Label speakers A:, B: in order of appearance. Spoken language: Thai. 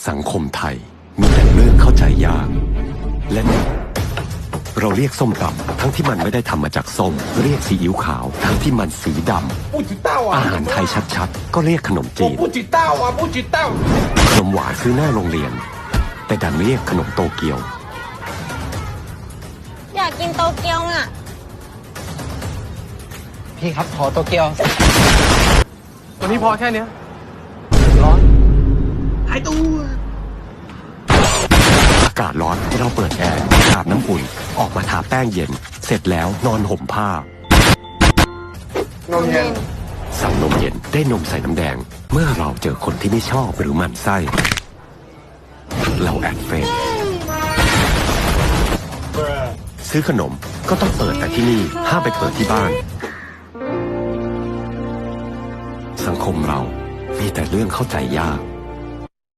A: สังคมไทยมีแต่เรื่องเข้าใจยากและเราเรียกส้มตำทั้งที่มันไม่ได้ทำมาจากส้มเรียกซีอิ๊วขาวทั้งที่มันสีดำอาหารไทยชัดๆก็เรียกขนมจีนขนมหวานซื้อหน้าโรงเรียนแต่ดันเรียกขนมโตเกียว
B: อยากกินโตเกียวอ่ะ
C: พี่ครับขอโตเกียว
D: วันนี้พอแค่เนี้ย
C: ร้อน
D: หายตัว
A: อากาศร้อนเราเปิดแอร์อาบน้ำอุ่นออกมาทาแป้งเย็นเสร็จแล้วนอนห่มผ้าน
D: มเย็น
A: สั่งนมเย็นได้นมใส่น้ำแดงเมื่อเราเจอคนที่ไม่ชอบหรือหมั่นไส้เราแอดเฟซซื้อขนมก็ต้องเปิดแต่ที่นี่ห้ามไปเปิดที่บ้านสังคมเรามีแต่เรื่องเข้าใจยาก